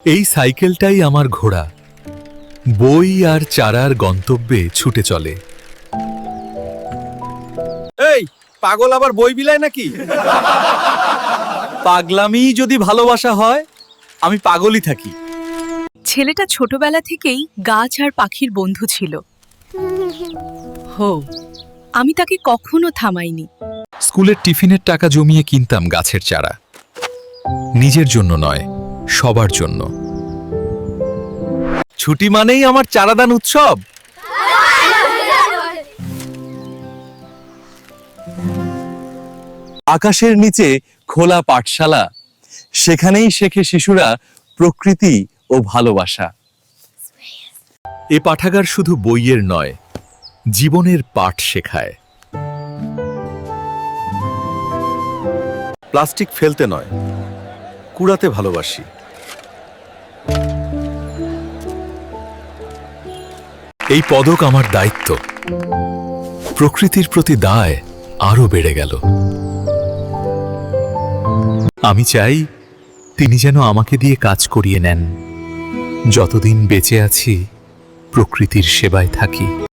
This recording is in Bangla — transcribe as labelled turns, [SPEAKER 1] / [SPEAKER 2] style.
[SPEAKER 1] এই সাইকেলটাই আমার ঘোড়া, বই আর চারার গন্তব্যে ছুটে চলে।
[SPEAKER 2] এই পাগল আবার বই বিলায় নাকি? পাগলামি যদি ভালোবাসা হয়, আমি পাগলই থাকি।
[SPEAKER 3] ছেলেটা ছোটবেলা থেকেই গাছ আর পাখির বন্ধু ছিল। হো, আমি তাকে কখনো থামাইনি।
[SPEAKER 1] স্কুলের টিফিনের টাকা জমিয়ে কিনতাম গাছের চারা, নিজের জন্য নয়, সবার জন্য।
[SPEAKER 2] ছুটি মানেই আমার চারাদান উৎসব। আকাশের নিচে খোলা পাঠশালা, সেখানেই শেখে শিশুরা প্রকৃতি ও ভালোবাসা।
[SPEAKER 1] এ পাঠাগার শুধু বইয়ের নয়, জীবনের পাঠ শেখায়।
[SPEAKER 2] প্লাস্টিক ফেলতে নয়, কুড়াতে ভালোবাসি।
[SPEAKER 1] এই পদক আমার দায়িত্ব, প্রকৃতির প্রতি দায় আরো বেড়ে গেল। আমি চাই তিনি যেন আমাকে দিয়ে কাজ করিয়ে নেন, যতদিন বেঁচে আছি প্রকৃতির সেবায় থাকি।